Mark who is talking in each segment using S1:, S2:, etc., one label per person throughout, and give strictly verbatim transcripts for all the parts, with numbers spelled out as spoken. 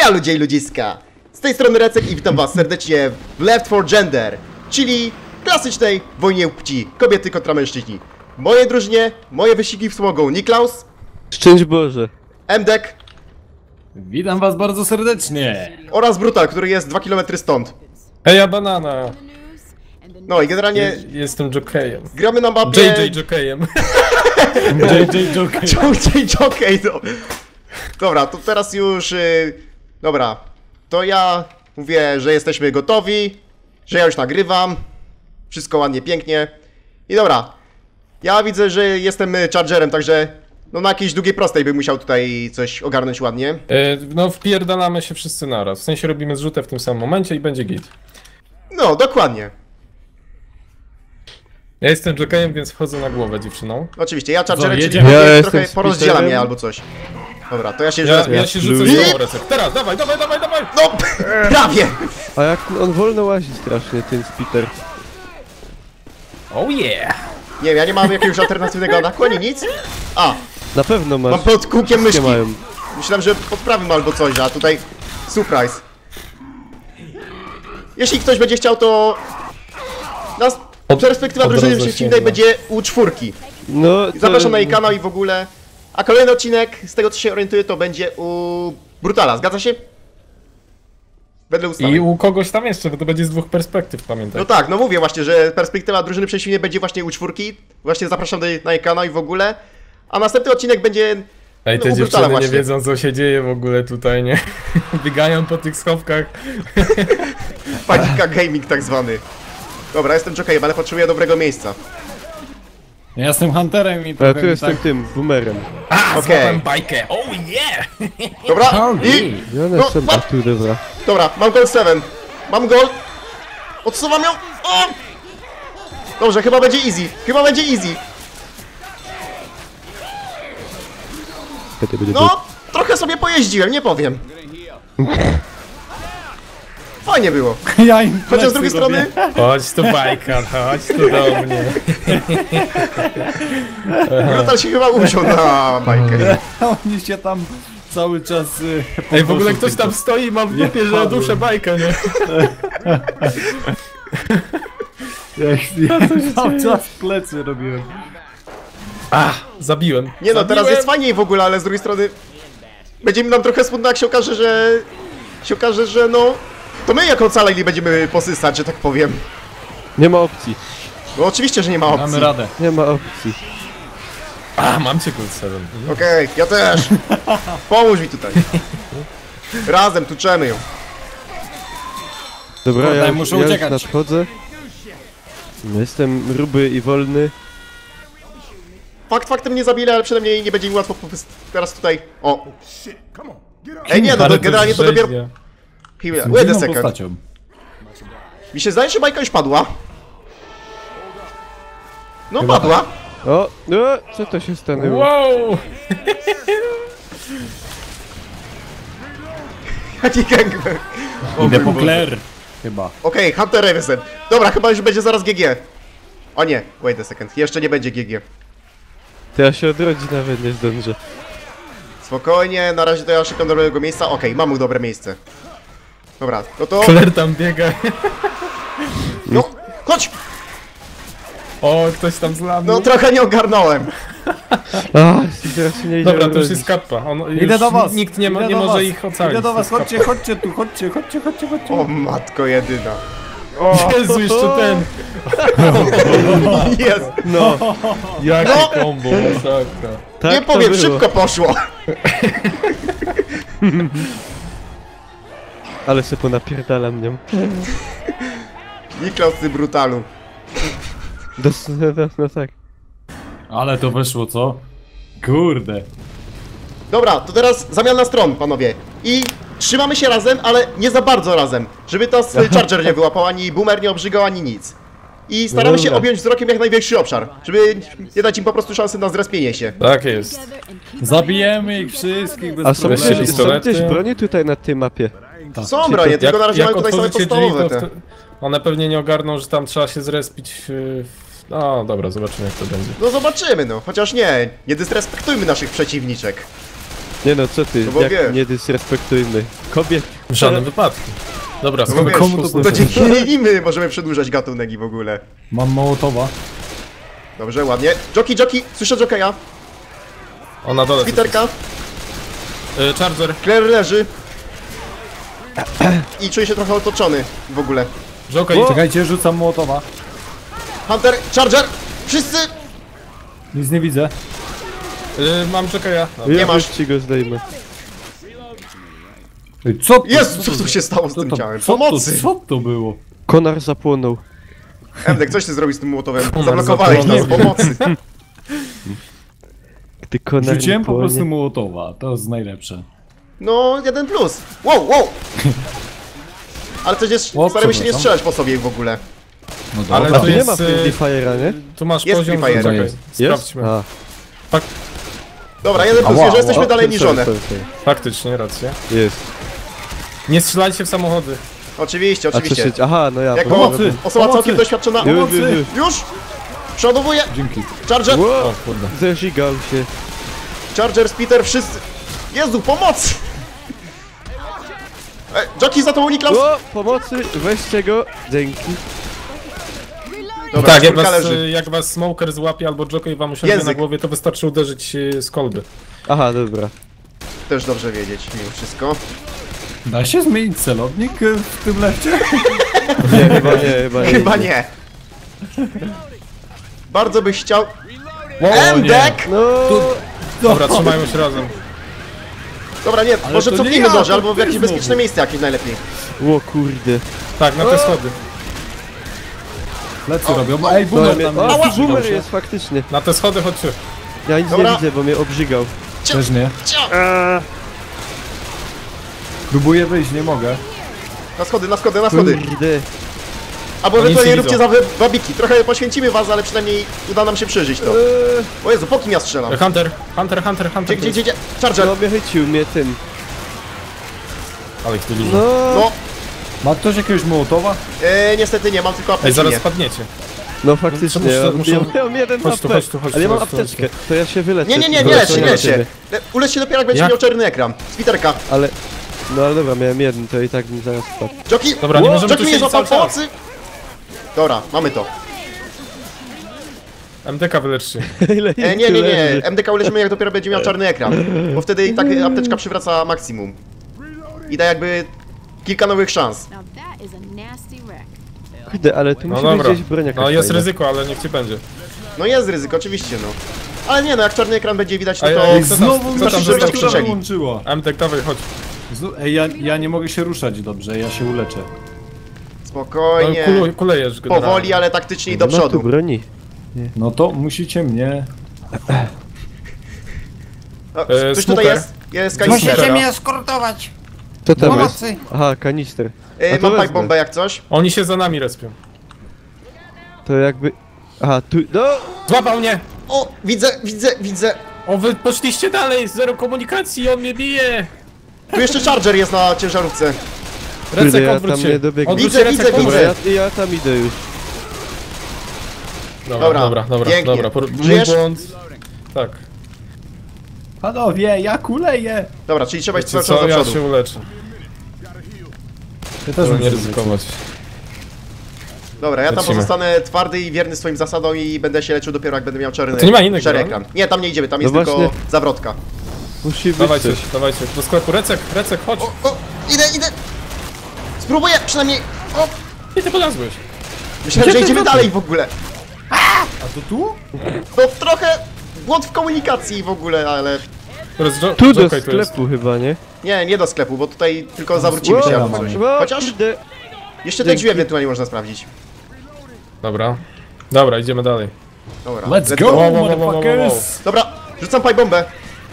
S1: Heja ludzie i ludziska! Z tej strony Recek i witam was serdecznie w Left four Gender, czyli klasycznej wojnie płci, kobiety kontra mężczyźni. W mojej drużynie, moje wyścigi wspomogą Niklaus,
S2: Szczęść Boże.
S1: Mdek
S3: Witam was bardzo serdecznie.
S1: oraz Brutal, który jest dwa kilometry stąd.
S4: Heja banana!
S1: No i generalnie
S4: Je, jestem jokejem.
S1: gramy na mapie...
S4: J J jokejem.
S3: J J Joker.
S1: J J Jockey, no. Dobra, to teraz już... Yy, dobra, to ja mówię, że jesteśmy gotowi, że ja już nagrywam. Wszystko ładnie, pięknie. I dobra, ja widzę, że jestem chargerem, także no na jakiejś długiej prostej bym musiał tutaj coś ogarnąć ładnie.
S4: E, no wpierdalamy się wszyscy naraz. W sensie robimy zrzutę w tym samym momencie i będzie git.
S1: No, dokładnie.
S4: Ja jestem jokejem, więc wchodzę na głowę dziewczyną.
S1: Oczywiście, ja chargerem, czyli
S3: jedziemy.
S2: Ja
S1: trochę
S2: jestem
S1: porozdziela
S2: speederem.
S1: mnie albo coś. Dobra, to ja się
S4: Ja,
S1: już
S4: ja się rzucę
S1: I-
S4: z tobą, Recek. Teraz, dawaj, dawaj, dawaj, dawaj!
S1: No, prawie!
S2: A jak on wolno łazi strasznie, ten Spiter.
S4: Oh yeah!
S1: Nie wiem, ja nie mam jakiegoś alternatywnego ataku, ani nic. A,
S2: Na pewno masz.
S1: mam pod kółkiem
S2: Nie
S1: myszki.
S2: mają.
S1: Myślałem, że pod prawym albo coś, a tutaj surprise. Jeśli ktoś będzie chciał, to nas
S4: Od-
S1: perspektywa
S4: od
S1: drużyny
S4: razu
S1: przeciwnej
S4: się
S1: będzie u czwórki.
S2: No, to...
S1: Zapraszam na jej kanał i w ogóle. A kolejny odcinek, z tego co się orientuję, to będzie u Brutala, zgadza się? Wedle ustawy.
S4: I u kogoś tam jeszcze, bo to będzie z dwóch perspektyw, pamiętaj.
S1: No tak, no mówię właśnie, że perspektywa drużyny przeciwnej będzie właśnie u czwórki. Właśnie zapraszam do, na jej kanał i w ogóle. A następny odcinek będzie...
S4: Ej,
S1: no,
S4: te
S1: u Brutala
S4: dziewczyny nie
S1: właśnie.
S4: wiedzą, co się dzieje w ogóle tutaj, nie? Biegają po tych schowkach.
S1: Panika gaming tak zwany. Dobra, jestem jokejem, ale potrzebuję dobrego miejsca.
S3: Ja jestem hunterem i
S2: A
S3: trochę
S2: tu
S3: mi
S2: jestem
S3: tak...
S2: tym, boomerem.
S4: A,
S1: Okej.
S4: złapałem bajkę! Oh yeah!
S1: Dobra,
S3: Howdy.
S1: i...
S2: I one
S1: No,
S2: są... A
S1: what?
S2: tu, dobra.
S1: Dobra, mam gol siedem. Mam gol. Odsuwam ją. O! Dobrze, chyba będzie easy. Chyba będzie easy. No, trochę sobie pojeździłem, nie powiem. Fajnie było.
S3: Ja im
S1: Chociaż z
S3: plecy
S1: drugiej
S3: robię.
S1: strony,
S4: Chodź tu bajka, chodź tu do mnie.
S1: Brutal się chyba usiął na bajkę.
S3: Oni się tam cały czas... y,
S4: Ej, w ogóle
S3: podnoszą
S4: ktoś
S3: tylko.
S4: tam stoi i mam w dupie, że
S3: padłem.
S4: duszę bajkę, nie?
S3: Jak ja cały czas plecy robiłem.
S4: A, zabiłem.
S1: Nie no, teraz
S4: Zabiłem.
S1: jest fajniej w ogóle, ale z drugiej strony będzie mi nam trochę smutno, jak się okaże, że... się okaże, że no... To my jako ocaleni będziemy posysać, że tak powiem.
S2: Nie ma opcji.
S1: No oczywiście, że nie ma opcji.
S3: Mamy radę.
S2: Nie ma opcji.
S4: A, mam cię Cold Seven.
S1: Okej, ja też. Pomóż mi tutaj. Razem tuczemy ją.
S2: Dobra,
S3: Kurde,
S2: ja, już-
S3: muszę
S2: ja już
S3: uciekać.
S2: nadchodzę. Jestem ruby i wolny.
S1: Fakt faktem nie zabili, ale przynajmniej nie będzie mi łatwo popys- teraz tutaj. O. Ej, nie, no to
S4: Ale
S1: generalnie to dopiero...
S4: rzeźnia.
S1: Chwila,
S3: Z
S1: wait a
S3: inną
S1: second.
S3: postacią.
S1: Mi się zdaje, że bajka już padła. No
S4: Chyba
S1: padła.
S2: O, no, co to się stanęło?
S4: Wow!
S1: Jaki gangbang. O
S3: Idę
S1: mój
S3: po
S1: Boże.
S3: Claire. Chyba.
S1: Okej, Hunter Revisen. Dobra, chyba już będzie zaraz G G. O nie, wait a second, jeszcze nie będzie G G.
S2: To ja się odrodzić nawet nie zdążę.
S1: Spokojnie, na razie to ja szukam dobrego miejsca. Okej, mamy dobre miejsce. Dobra, no to...
S4: Claire tam biega.
S1: No, chodź!
S4: O, ktoś tam zladł.
S1: No trochę nie ogarnąłem.
S2: A, teraz się nie idzie
S4: Dobra, to już
S2: odrodzić.
S4: jest kappa. On,
S3: Idę
S4: już
S3: do was.
S4: Nikt nie, ma,
S3: Idę
S4: nie
S3: do
S4: może
S3: was.
S4: ich ocalić.
S3: Idę do
S4: to
S3: was,
S4: jest
S3: chodźcie,
S4: kappa.
S3: chodźcie tu, chodźcie, chodźcie, chodźcie, chodźcie.
S1: O matko jedyna.
S4: Jezu, jeszcze ten.
S1: Jest.
S2: No,
S4: Jakie
S1: No.
S4: kombo, masakra.
S2: tak
S1: Nie
S2: to
S1: powiem,
S2: było.
S1: szybko poszło.
S2: Ale se ponapierdalam nią.
S1: Niklaus, ty brutalu.
S2: Dos, no, no, no tak.
S3: Ale to weszło, co? Kurde.
S1: Dobra, to teraz zamiana stron, panowie. I trzymamy się razem, ale nie za bardzo razem. Żeby tas Charger nie wyłapał, ani Boomer nie obrzygał, ani nic. I staramy się
S2: Dobra.
S1: objąć wzrokiem jak największy obszar, żeby nie dać im po prostu szansy na zrespienie się.
S4: Tak jest.
S3: Zabijemy ich wszystkich bez
S2: A są,
S4: Weźcie
S2: gdzieś, są
S4: pistolety.
S2: gdzieś broni tutaj na tej mapie?
S1: Są bronie, tylko na razie mamy tutaj same
S4: otworzycie drzwi,
S1: podstawowe
S4: to
S1: te.
S4: wtedy- one pewnie nie ogarną, że tam trzeba się zrespić w... w- No dobra, zobaczymy jak to będzie.
S1: No zobaczymy no, chociaż nie, nie dysrespektujmy naszych przeciwniczek.
S2: Nie no, co ty,
S1: No bo
S2: jak
S1: wiesz.
S2: nie dysrespektujmy kobiet.
S4: W żadnym wypadku. Dobra,
S1: No
S4: skąd
S1: wiesz,
S3: komu to
S1: to
S3: posłuży?
S1: dzięki nimi możemy przedłużać gatunek i w ogóle.
S3: Mam Mołotowa.
S1: Dobrze, ładnie. Joki, joki, słyszę jokeja.
S4: O, na dole.
S1: Peterka,
S4: Y, Charger,
S1: Claire leży. I czuję się trochę otoczony w ogóle.
S4: Joker,
S2: O!
S3: Czekajcie, rzucam Mołotowa.
S1: Hunter, Charger, wszyscy!
S3: Nic nie widzę.
S4: y, mam Jokera.
S2: Ja
S1: Nie masz.
S2: już ci go zdejmę.
S3: Ej, co to?
S1: Jezu, co tu się stało z
S3: Co
S1: tym
S3: to,
S1: ciałem?
S3: co to,
S1: Pomocy!
S3: co to było?
S2: Konar zapłonął.
S1: Emdek, coś ty zrobił z tym młotowem?
S4: Konar
S1: Zablokowałeś nas,
S4: zapłonął.
S1: pomocy!
S2: Gdy konar
S3: Rzuciłem
S2: nie
S3: po prostu
S2: płonie.
S3: Mołotowa, to jest najlepsze.
S1: No, jeden plus. Wow, wow! Ale przecież
S3: O,
S1: staramy się nie
S3: przepraszam.
S1: strzelać po sobie w ogóle.
S3: No
S4: Ale
S2: A
S4: to
S2: tu nie
S4: jest,
S2: ma
S4: y,
S2: Friendly Fire'a, nie?
S4: Tu masz
S1: Jest
S4: poziom,
S1: Free Fire.
S4: czekaj,
S3: Jest?
S4: sprawdźmy.
S2: A,
S1: Dobra, jeden plus,
S3: Ała,
S1: że jesteśmy
S2: o,
S1: dalej
S2: sorry,
S1: niżone.
S2: sorry, sorry.
S4: Faktycznie, racja.
S2: Jest.
S4: Nie strzelajcie w samochody.
S1: Oczywiście,
S2: A co
S1: oczywiście.
S2: się... Aha, no ja...
S1: Jak
S2: bo-
S1: pomocy, osoba
S3: Pomocy!
S1: całkiem doświadczona.
S2: Już, już,
S3: Pomocy!
S2: już.
S1: Już! Przodowuję!
S3: Dzięki.
S1: Charger!
S2: Wow,
S4: O kurde.
S2: zeżigał się.
S1: Charger, Peter, wszyscy! Jezu, pomoc! E, Joki za tobą, Niklas!
S2: O, pomocy, weźcie go. Dzięki.
S1: Dobra,
S4: Tak, jak
S1: czwórka
S4: was,
S1: leży.
S4: y, jak was smoker złapie albo Joker wam usiądzie
S1: Język.
S4: na głowie, to wystarczy uderzyć y, z kolby.
S2: Aha, dobra.
S1: Też dobrze wiedzieć, mimo wszystko.
S3: Da się zmienić celownik y, w tym lewcie?
S2: Nie, chyba nie, chyba nie.
S1: Chyba nie. Bardzo byś chciał...
S4: Wow,
S1: Emdek!
S2: No,
S4: Dobra, trzymają się razem.
S1: Dobra, nie, może
S3: to nie
S1: cofnijmy
S3: ja,
S1: może,
S3: to
S1: albo w
S3: ty
S1: jakieś
S3: znowu.
S1: bezpieczne miejsce jakieś najlepiej.
S2: o kurde.
S4: Tak, na te schody.
S3: Plecy robią. Ej,
S2: Dobra,
S3: boomer
S2: mnie...
S3: tam
S2: O,
S3: jest.
S2: tu
S3: Obrzygał
S2: boomer
S3: się.
S2: jest faktycznie.
S4: Na te schody chodźcie.
S2: Ja nic
S1: Dobra.
S2: nie widzę, bo mnie obrzygał.
S3: Też nie.
S1: Cio!
S3: Próbuję wyjść, nie mogę.
S1: Na schody, na schody, na schody.
S2: Kurde.
S1: Albo
S4: Oni
S1: ewentualnie
S4: się
S1: róbcie
S4: widzą.
S1: za wy- wabiki. Trochę poświęcimy was, ale przynajmniej uda nam się przeżyć to.
S2: Eee,
S1: O Jezu, po kim ja strzelam?
S4: Hunter, Hunter, Hunter, Hunter.
S1: Gdzie, gdzie, gdzie, gdzie? Charger!
S2: no mnie chycił mnie tym.
S4: Ale ich tu dużo.
S2: No,
S1: No,
S3: Ma ktoś jakiegoś Mołotowa?
S1: e, niestety nie, mam tylko
S4: Ej,
S1: apteczkę.
S4: zaraz spadniecie.
S2: no faktycznie,
S4: Muszę-
S2: ja,
S4: muszę-
S2: ja miałem jeden
S4: Chodź tu,
S2: H P,
S4: chodź tu, chodź
S2: ale ja
S4: tu,
S2: mam
S4: chodź tu,
S2: apteczkę, to ja się wyleczę.
S1: Nie, nie, nie, nie
S2: Wyleczę
S1: lecz się, nie
S2: na
S1: lecz się.
S2: ciebie.
S1: Le- Ulecz się dopiero jak będziesz
S4: Jak?
S1: miał czarny ekran. Twitterka.
S2: Ale, no ale dobra, miałem jeden, to i tak mi zaraz spadł.
S1: Joki!
S4: Dobra, nie możemy
S1: Joki
S4: tu
S1: mnie
S4: siedzieć
S1: złapał
S4: cały czas.
S1: pomocy! Dobra, mamy to.
S4: M D K wyleczcie.
S2: Ile
S1: E,
S2: ich
S1: nie,
S2: tu
S1: nie, nie,
S2: leży?
S1: M D K uleczymy jak dopiero będzie miał czarny ekran. Bo wtedy i tak apteczka przywraca maksimum. I da jakby kilka nowych szans.
S5: Now that is a nasty wreck.
S2: Kurde, ale tu
S4: No
S2: musi być
S4: dobra.
S2: gdzieś broń jakaś
S4: No jest
S2: fajna.
S4: ryzyko, ale niech ci będzie.
S1: No jest ryzyko, oczywiście no. Ale nie no, jak czarny ekran będzie widać, no
S4: Ej,
S1: to...
S4: ej,
S3: Ej,
S4: co tam-
S3: znowu
S4: co
S3: mi
S4: tam
S3: się
S4: zostało?
S3: temperatura
S1: Krzyczeli.
S3: wyłączyła.
S4: M D K, dawaj, chodź.
S3: Znu- Ej, ja, ja nie mogę się ruszać dobrze, ja się uleczę.
S4: No,
S1: Spokojnie.
S4: kule, kulejesz generalnie.
S1: Powoli, ale taktycznie i do
S2: No tu
S1: przodu.
S2: broni.
S3: No to musicie mnie...
S1: O,
S4: E,
S1: Ktoś tutaj
S4: smoker.
S1: jest? Jest kanister.
S4: Musicie mnie
S6: eskortować!
S2: Co tam
S6: Pomocy!
S2: jest? Aha, kanister.
S1: E,
S2: A to
S1: Mam
S2: wezmę.
S1: pipe bombę jak coś.
S4: Oni się za nami respią.
S2: To jakby... Aha, tu... No!
S4: Złapał mnie!
S1: O, widzę, widzę, widzę.
S4: O, wy poszliście dalej, zero komunikacji, on mnie bije!
S1: Tu jeszcze Charger jest na ciężarówce.
S2: Kurde,
S4: Recek,
S2: ja
S4: odwróć
S2: tam
S4: się.
S2: nie dobiegnę.
S4: Odwróć
S1: Widzę,
S4: się,
S1: widzę,
S4: Recek,
S1: widzę.
S2: Dobra,
S4: odwróć.
S2: ja, ja tam idę już.
S4: Dobra,
S1: Dobra,
S4: dobra, dobra,
S1: pięknie.
S4: dobra. Por- mój
S1: Żyjesz?
S4: błąd. Tak.
S3: Panowie, ja kuleję!
S1: Dobra, czyli trzeba iść
S4: Wiecie
S1: cały czas
S4: co,
S1: do
S4: ja
S1: przodu.
S4: się uleczę.
S3: Ja też
S4: Żeby nie
S3: muszę
S4: ryzykować.
S1: Dobra, ja tam
S4: Lecimy.
S1: pozostanę twardy i wierny swoim zasadom i będę się leczył dopiero jak będę miał czarny,
S4: To nie ma innego,
S1: szary
S4: no?
S1: ekran. Nie, tam nie idziemy, tam jest
S2: No
S1: tylko
S2: właśnie.
S1: zawrotka.
S2: Musi być
S4: Dawajcie,
S2: coś.
S4: dawajcie, do sklepu. Recek, Recek, chodź.
S1: O, o, idę, idę! Spróbuję przynajmniej... O,
S4: I ty podlazłeś.
S1: myślałem, że idziemy dalej w ogóle.
S3: A to tu?
S1: No trochę błąd w komunikacji w ogóle, ale...
S4: Teraz jo-
S2: Tu do
S4: Joker tu jest.
S2: sklepu chyba, nie?
S1: Nie, nie do sklepu, bo tutaj tylko zawrócimy się
S3: Wow.
S1: albo coś.
S2: O,
S1: Chociaż
S2: kurde.
S1: jeszcze te
S2: Dzięki.
S1: drzwi ewentualnie można sprawdzić.
S4: Dobra. Dobra, idziemy dalej.
S1: Dobra,
S3: Let's go,
S4: Wow, wow, wow, wow, wow,
S3: motherfuckers!
S1: Dobra, rzucam pipe bombę.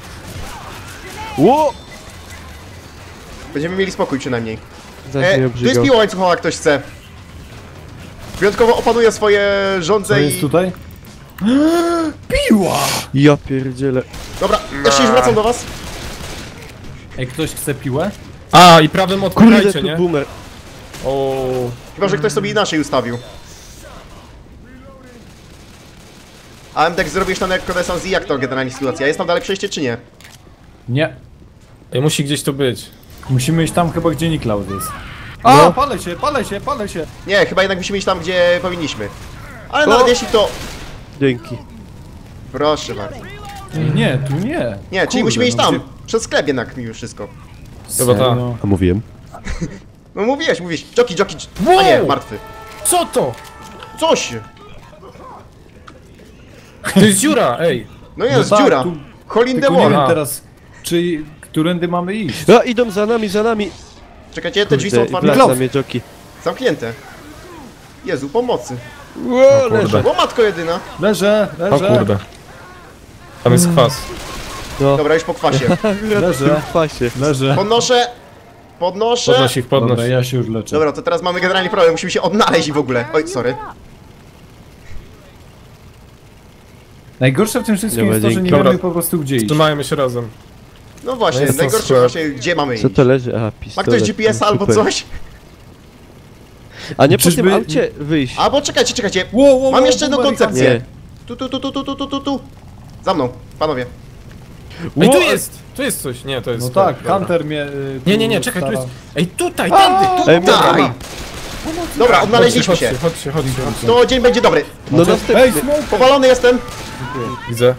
S2: Ło!
S1: Będziemy mieli spokój przynajmniej.
S2: Zaś
S1: E,
S2: mnie
S1: tu jest
S2: obrzygał.
S1: piła łańcuchowa, jak ktoś chce. Wyjątkowo opanuję swoje
S3: Co
S1: żądze
S3: jest
S1: i...
S3: tutaj? Piła!
S2: Ja pierdzielę.
S1: Dobra, ja się już wracam do was.
S3: Ej, ktoś chce piłę?
S4: A, i prawym
S2: Kurde,
S4: odpychajcie,
S2: tu
S4: nie?
S2: boomer.
S4: O,
S1: Chyba, że ktoś sobie inaczej ustawił. A M D K zrobisz tam jak konesans i jak to generalnie sytuacja? Jest tam dalej przejście czy nie?
S3: Nie.
S4: Ej, musi gdzieś tu być.
S3: Musimy iść tam chyba, gdzie Niklaus jest. A,
S2: No.
S3: palę się, palę się, palę się.
S1: Nie, chyba jednak musimy iść tam, gdzie powinniśmy. Ale
S2: O!
S1: nawet jeśli to...
S2: Dzięki.
S1: Proszę bardzo.
S3: Nie, tu nie.
S1: Nie, czyli
S3: Kurde,
S1: musimy iść
S3: no
S1: tam.
S3: gdzie-
S1: Przez sklep jednak mimo wszystko.
S4: Chyba ta.
S3: Serio?
S2: A mówiłem.
S1: No mówiłeś, mówiłeś. Joki, joki.
S4: Wow!
S1: A nie, martwy.
S4: Co to?
S1: Coś!
S4: To jest dziura, ej.
S1: No jest,
S3: No tak,
S1: dziura.
S3: tu-
S1: Hole in the
S3: Tylko nie
S1: wall.
S3: wiem
S4: A.
S3: teraz, czy... Którędy mamy iść?
S2: A, idą za nami, za nami.
S1: Czekajcie, te drzwi są
S2: Kurde,
S1: otwarte.
S2: wraca mnie joki.
S1: Zamknięte. Jezu, pomocy.
S2: Ło,
S4: kurde.
S2: leżę.
S1: O matko jedyna.
S3: Leżę,
S4: O
S3: leżę.
S4: kurde. Tam jest kwas.
S2: No.
S1: Dobra, już po kwasie.
S3: Leżę.
S2: W pasie.
S3: Leżę.
S1: Podnoszę. Podnoszę.
S4: Podnoś ich, podnoś.
S3: Dobra, ja się już leczę.
S1: Dobra, to teraz mamy generalnie problem. Musimy się odnaleźć w ogóle. Oj, sorry.
S3: Najgorsze w tym wszystkim
S2: Dobra,
S3: jest to, że nie
S2: dzięki.
S3: wiemy
S4: Dobra.
S3: po prostu gdzie iść.
S4: Trzymajmy się razem.
S1: No właśnie,
S4: No jest to
S1: najgorsze
S4: skład.
S1: właśnie, gdzie mamy iść.
S2: Co to leży? A,
S1: Ma
S2: pistolet.
S1: ktoś G P S
S2: no,
S1: albo
S2: super.
S1: coś?
S2: A nie po
S3: Czyżby-
S2: tym aucie wyjść.
S1: Albo czekajcie, czekajcie.
S3: Wow, wow,
S1: Mam
S3: wow,
S1: jeszcze jedną
S3: boomerang.
S1: koncepcję.
S2: Nie.
S1: Tu, tu, tu, tu, tu, tu, tu, tu, tu. Za mną, panowie.
S4: Ej,
S2: Ło,
S4: tu jest! Tu jest coś. Nie, to jest...
S3: No tak,
S4: dobra.
S3: Hunter mnie... y,
S4: Nie,
S3: tu
S4: nie, nie, czekaj, tu
S3: stara-
S4: jest... Ej, tutaj, tędy, tu!
S2: Ej,
S1: Daj!
S2: dobra.
S1: Dobra, odnaleźliśmy
S4: chodźcie,
S1: się.
S4: chodźcie, chodźcie, chodźcie.
S1: To dzień będzie dobry.
S2: No
S3: Ej,
S2: następny.
S3: smoke!
S1: Powalony jestem.
S4: Widzę.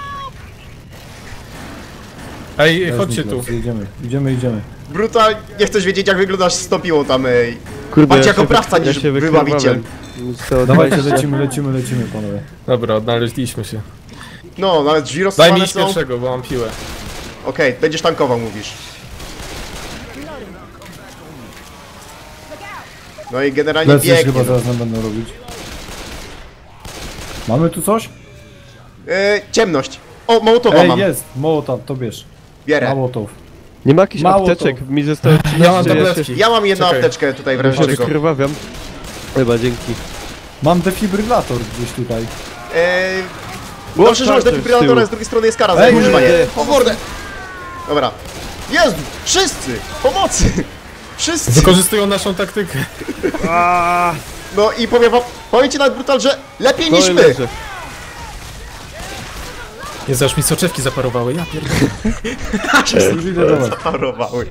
S4: Ej,
S3: Weź,
S4: chodźcie tu.
S3: Niklaus, Idziemy, idziemy, idziemy.
S1: Brutal, nie chcesz wiedzieć jak wyglądasz z topiłą tam, ej.
S2: Kurde,
S1: Bardziej
S2: ja
S1: jako
S2: się
S1: prawca
S2: wy-
S1: niż
S2: ja się
S1: wybawiciel.
S2: wykrwawam. Zostało
S3: Dawajcie,
S2: dwadzieścia.
S3: lecimy, lecimy, lecimy, panowie.
S4: Dobra, odnaleźliśmy się.
S1: No, nawet drzwi
S4: Daj mi
S1: rozstrzane
S4: iść
S1: są. Okej,
S4: pierwszego, bo mam piłę.
S1: będziesz tankował, mówisz. No i generalnie
S3: Plecy już
S1: biegnie.
S3: chyba zaraz nam będą robić. Mamy tu coś?
S1: E, ciemność. O, Mołotowa
S3: Ej,
S1: mam.
S3: jest! Mołotow, to bierz.
S1: Bierę.
S3: Mołotow.
S2: Nie ma jakichś
S3: Mało
S2: apteczek,
S3: to.
S2: mi zostało
S4: Ja mam
S2: trzynaście, ja się,
S4: tabletki.
S1: Ja mam jedną
S4: Czekaj.
S1: apteczkę tutaj w
S2: ja
S1: razie
S2: się
S1: czego.
S2: wykrwawiam. Chyba dzięki.
S3: Mam defibrylator gdzieś tutaj.
S1: Eee,
S2: Ło,
S1: dobrze, że masz
S2: charger z
S1: defibrylatora,
S2: tyłu.
S1: z drugiej strony jest kara za
S3: Ej,
S1: jego używanie.
S2: nie.
S1: O mordę! Dobra. Jezu, wszyscy! Pomocy! Wszyscy!
S4: Wykorzystują naszą taktykę.
S1: No i powiem wam, powiem ci nawet brutal, że lepiej
S2: No
S1: niż
S2: i
S1: my!
S2: leżę.
S4: Jezu, aż mi soczewki zaparowały, ja pierdolę.
S3: Już idę do was.
S1: Zaparowały.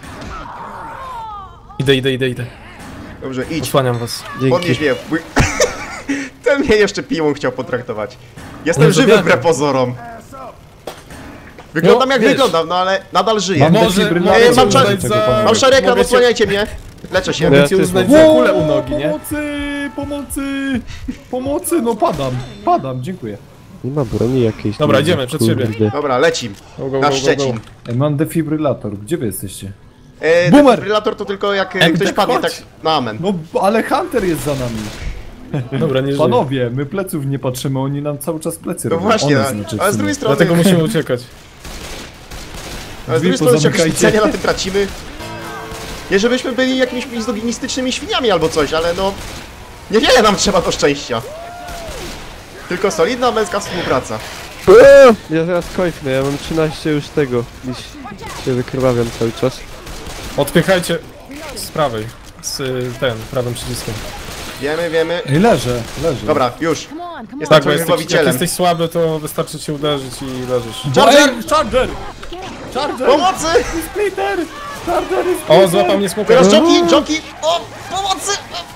S4: Idę, idę, idę, idę.
S1: Dobrze, idź.
S4: Osłaniam was.
S1: Podnieś
S2: Dzięki.
S1: mnie. Mój... Ten mnie jeszcze piłą chciał potraktować. Jestem
S4: No,
S1: żywy
S4: zabiadam.
S1: wbrew pozorom. Wyglądam
S4: No,
S1: jak
S4: wiesz.
S1: wyglądam, no ale nadal żyję.
S3: Mam
S4: Może-
S3: defibrylator.
S1: Ej, mam
S3: do
S1: czar-
S3: tego, panowie.
S1: Mam szary ekran,
S4: Mogę cię-
S1: odsłaniajcie mnie. Leczę się.
S2: Ja
S4: Mogę cię
S2: też
S4: uznać
S2: mam.
S4: za kulę u nogi, nie?
S3: Pomocy! Pomocy! Pomocy! No padam, padam, dziękuję.
S2: Nie ma broni jakiejś.
S4: Dobra,
S2: nie
S4: idziemy,
S2: wiem,
S4: przed siebie.
S2: kurde.
S1: Dobra, lecim.
S4: Go, go, go,
S1: Na
S4: go,
S1: Szczecin.
S4: go.
S3: Ej, mam defibrylator, gdzie wy jesteście?
S1: E,
S3: Boomer!
S1: defibrylator to tylko jak e,
S4: Em,
S1: ktoś
S4: tak
S1: padnie,
S4: chodź.
S1: tak na amen.
S3: No, ale Hunter jest za nami.
S4: Dobra, nie żyję.
S3: Panowie, my pleców nie patrzymy, oni nam cały czas plecy
S1: No
S3: robią.
S1: właśnie,
S3: One
S1: ale,
S3: znaczy w
S1: ale z
S3: sumie.
S1: drugiej strony,
S4: Dlatego musimy uciekać.
S1: ale z
S3: drzwi
S1: drugiej strony się jakoś
S3: pozamykajcie.
S1: specjalnie na tym tracimy. Nie żebyśmy byli jakimiś mizoginistycznymi świniami albo coś, ale no... Niewiele nam trzeba do szczęścia. Tylko solidna męska współpraca.
S2: Eee, Ja zaraz kończę, ja mam trzynaście już tego. Dziś się wykrwawiam cały czas.
S4: Odpychajcie z prawej. Z y, ten, prawym przyciskiem.
S1: Wiemy, wiemy.
S3: Ej, leżę, leżę.
S1: Dobra, już.
S5: Come on, come
S1: Jest
S5: on.
S1: tak,
S4: Tak, bo
S1: twoim
S4: jesteś, jak
S1: wybawicielem.
S4: jesteś słaby, to wystarczy cię uderzyć i leżysz.
S1: Charger!
S3: Ej, Charger! Charger!
S1: Pomocy!
S3: Splitter! Charger jest
S4: O, złapał mnie smoker.
S1: Teraz joki, joki! O! Pomocy!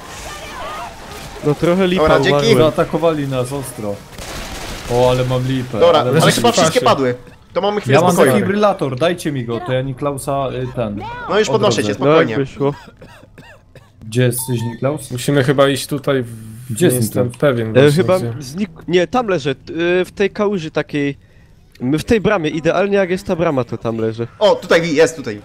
S2: No trochę lipa
S1: Dobra, dzięki.
S2: umarłem.
S3: Zaatakowali nas ostro. O, ale mam lipę.
S1: Dobra,
S3: ale
S1: ale
S3: mam...
S1: chyba
S4: w
S1: wszystkie
S4: pasie.
S1: padły. To mamy chwilę
S3: Ja mam
S1: spokoju.
S3: defibrylator, dajcie mi go, to ja Niklausa y, ten.
S1: No już
S3: o
S1: podnoszę cię,
S3: drodze.
S2: No jak
S1: spokojnie.
S2: wyszło.
S3: Gdzie jesteś, Niklaus?
S4: Musimy chyba iść tutaj, w...
S3: Gdzie
S4: nie
S3: jest
S4: jestem
S3: ten?
S4: pewien
S2: E,
S4: właśnie,
S2: chyba
S4: gdzie.
S2: znik... Nie, tam leżę. t- e, W tej kałuży takiej... m, W tej bramie, idealnie jak jest ta brama, to tam leżę.
S1: O, tutaj jest, tutaj.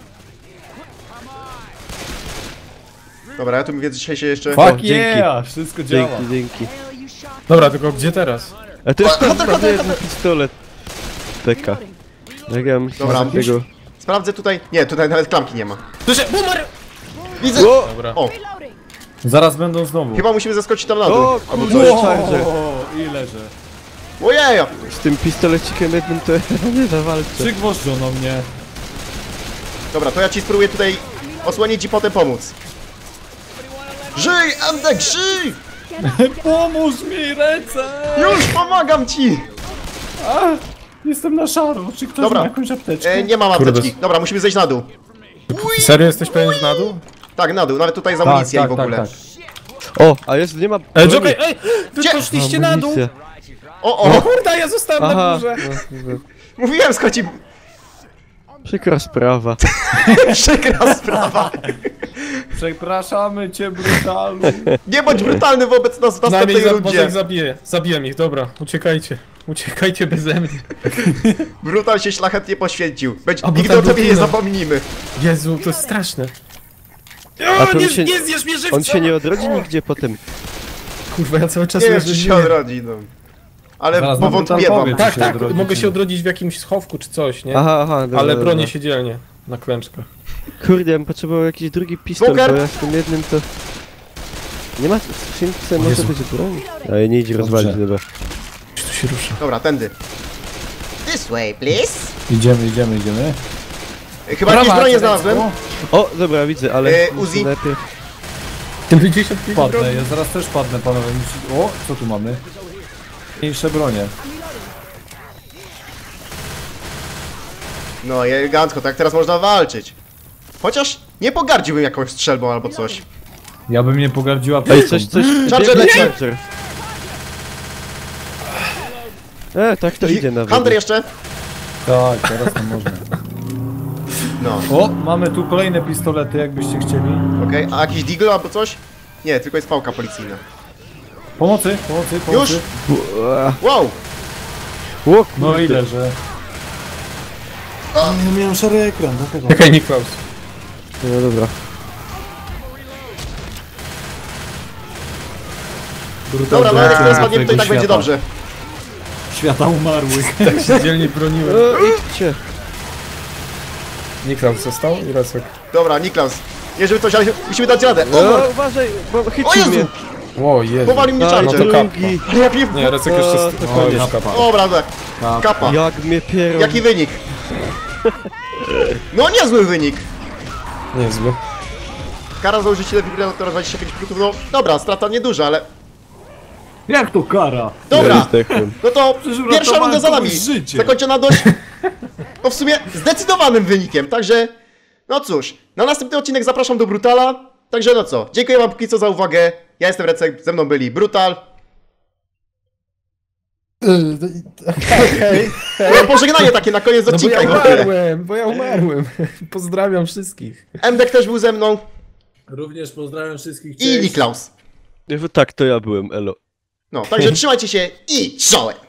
S1: Dobra, ja tu mówię dzisiaj się jeszcze...
S3: Fuck
S2: dzięki.
S3: yeah! Wszystko działa.
S2: Dzięki, dzięki.
S4: Dobra, tylko gdzie teraz?
S2: A to jest
S1: O, Hunter,
S2: tam
S1: Hunter,
S2: jeden pistolet. Teka. Jak ja myślę,
S1: Dobra,
S2: że tego...
S1: Sprawdzę tutaj... Nie, tutaj nawet klamki nie ma.
S4: Słyszę, boomer!
S1: Widzę!
S2: O!
S4: Dobra.
S1: O,
S3: Zaraz będą znowu.
S1: chyba musimy zaskoczyć tam na dół.
S2: O,
S1: Albo
S2: kurde.
S1: coś.
S2: O, Charger.
S3: i leżę.
S1: Ojeja!
S2: Z tym pistolecikiem jednym to nie zawalczę.
S3: Przygwożdżono mnie.
S1: Dobra, to ja ci spróbuję tutaj osłonić i potem pomóc. Żyj, Endek, żyj!
S3: Pomóż mi, ręce!
S1: Już pomagam ci!
S3: Jestem na szaro. Czy ktoś
S1: Dobra.
S3: ma jakąś apteczkę?
S1: E, nie mam
S4: Kurde.
S1: apteczki. Dobra, musimy zejść na dół.
S4: Serio jesteś pewien, że na dół?
S1: Tak, na dół, nawet tutaj jest
S3: tak,
S1: amunicja
S3: tak,
S1: i w ogóle.
S3: tak, tak.
S2: O, a jest, nie ma...
S4: Ej,
S2: broni.
S4: Joker, ej! Wy
S1: Gdzie?
S4: poszliście na dół!
S2: Amunicja.
S1: O,
S4: O
S1: o!
S4: kurde, ja zostałem na
S2: Aha,
S4: górze!
S2: no,
S1: Mówiłem, schodzi...
S2: przykra sprawa.
S1: Przykra sprawa.
S3: Przepraszamy cię, brutalu.
S1: Nie bądź brutalny wobec nas w
S4: Przynajmniej
S1: następnej
S4: za, może ich
S1: rundzie.
S4: zabiję. Zabiłem ich, dobra. Uciekajcie. Uciekajcie beze mnie.
S1: Brutal się szlachetnie poświęcił. Będzie,
S4: A, bo
S1: nigdy
S4: ta
S1: o tobie nie
S4: rutyna.
S1: zapomnimy.
S4: Jezu, to jest straszne.
S2: A
S4: O,
S2: to
S4: nie,
S2: on się-
S4: nie zjesz mnie żywcem!
S2: On się nie odrodzi nigdzie potem.
S4: Kurwa, ja cały czas
S1: Nie wiem,
S4: leżę
S1: czy
S4: w
S1: się
S4: ziemi.
S1: odrodzi, no. Ale
S3: Zaraz nam
S1: powątpiewam.
S3: brutal powie,
S4: Tak,
S3: się
S4: tak,
S3: odrodzi,
S4: mogę
S3: czy
S4: się
S3: nie.
S4: odrodzić w jakimś schowku czy coś, nie?
S2: Aha, aha, dobra,
S4: Ale
S2: dobra.
S4: bronię się dzielnie. Na klęczkach.
S2: Kurde, ja bym potrzebował jakiś drugi pistolet,
S1: Smoker!
S2: bo ja z tym jednym to... Nie ma w skrzynce, może
S4: Jezu.
S2: być broń? Ale nie idzie rozwalić, dobra.
S4: Czy tu się rusza?
S1: Dobra, tędy. This way, please.
S3: Idziemy, idziemy, idziemy.
S1: Chyba jakieś bronie znalazłem.
S2: O, dobra, widzę, ale...
S1: E,
S2: muszę
S1: Uzi?
S2: najpierw...
S4: pięćdziesiąt pięć
S3: Padnę,
S4: broni.
S3: ja zaraz też padnę, panowie. Musi... O, co tu mamy? Mniejsze bronie.
S1: No i elegancko, tak teraz można walczyć. Chociaż nie pogardziłbym jakąś strzelbą albo coś.
S3: Ja bym nie pogardziła
S2: Ej,
S3: apteczką.
S2: coś, coś...
S1: Charger
S2: biegnie
S1: leci.
S2: Charger. E, tak to idzie nawet.
S1: Hunter jeszcze?
S3: Tak, teraz to można.
S1: No,
S3: O, mamy tu kolejne pistolety, jakbyście chcieli.
S1: okej. A jakiś deagle albo coś? Nie, tylko jest pałka policyjna.
S3: Pomocy, pomocy, pomocy.
S1: Już?
S2: Ua,
S1: Wow!
S2: O, kurde.
S3: No ile, że...
S6: Nie miałem szary ekran, dlatego.
S4: Czekaj, Niklaus.
S2: No dobra.
S1: Dobra, no jak teraz
S3: A,
S1: spadniemy, to i tak
S3: tego
S1: będzie
S3: świata.
S1: dobrze.
S3: Świata umarłych.
S4: Tak się dzielnie broniłem.
S2: O, idźcie.
S4: Niklaus został i Rasek.
S1: Dobra, Niklaus. Nie żeby coś, ale musimy dać radę. O,
S2: No,
S1: no.
S2: uważaj, bo
S1: O
S2: chycił
S1: Jezu!
S2: mnie.
S4: O Jezu.
S1: Powalił mnie
S2: A,
S1: Charger.
S4: no to kap.
S2: drugi.
S1: Ale ja pier...
S4: Nie, Rasek jeszcze...
S2: O,
S4: st-
S2: to
S4: O,
S3: koniec.
S4: już kapa.
S1: Dobra, dobra. Kapa.
S2: Jak mnie pierą.
S1: Jaki wynik? No niezły wynik.
S4: Niezły.
S1: Kara za użycie defibrylatora dwadzieścia pięć punktów. No dobra, strata nieduża, ale...
S3: Jak to kara?
S1: Dobra!
S2: Zdechłem.
S1: No to
S3: Przecież
S1: pierwsza
S3: uratowałem
S1: runda za nami.
S3: komuś życie.
S1: Zakończona dość... No w sumie zdecydowanym wynikiem, także... No cóż, na następny odcinek zapraszam do Brutala. Także no co, dziękuję wam póki co za uwagę. Ja jestem Recek, ze mną byli Brutal.
S6: Okej.
S1: No pożegnanie takie na koniec
S4: No bo
S1: odcinka.
S4: ja
S1: i w ogóle.
S4: umarłem, bo ja umarłem. Pozdrawiam wszystkich.
S1: Emdek też był ze mną.
S3: Również pozdrawiam wszystkich.
S1: I Niklaus.
S2: Tak, to ja byłem, elo.
S1: No, także trzymajcie się i czołem!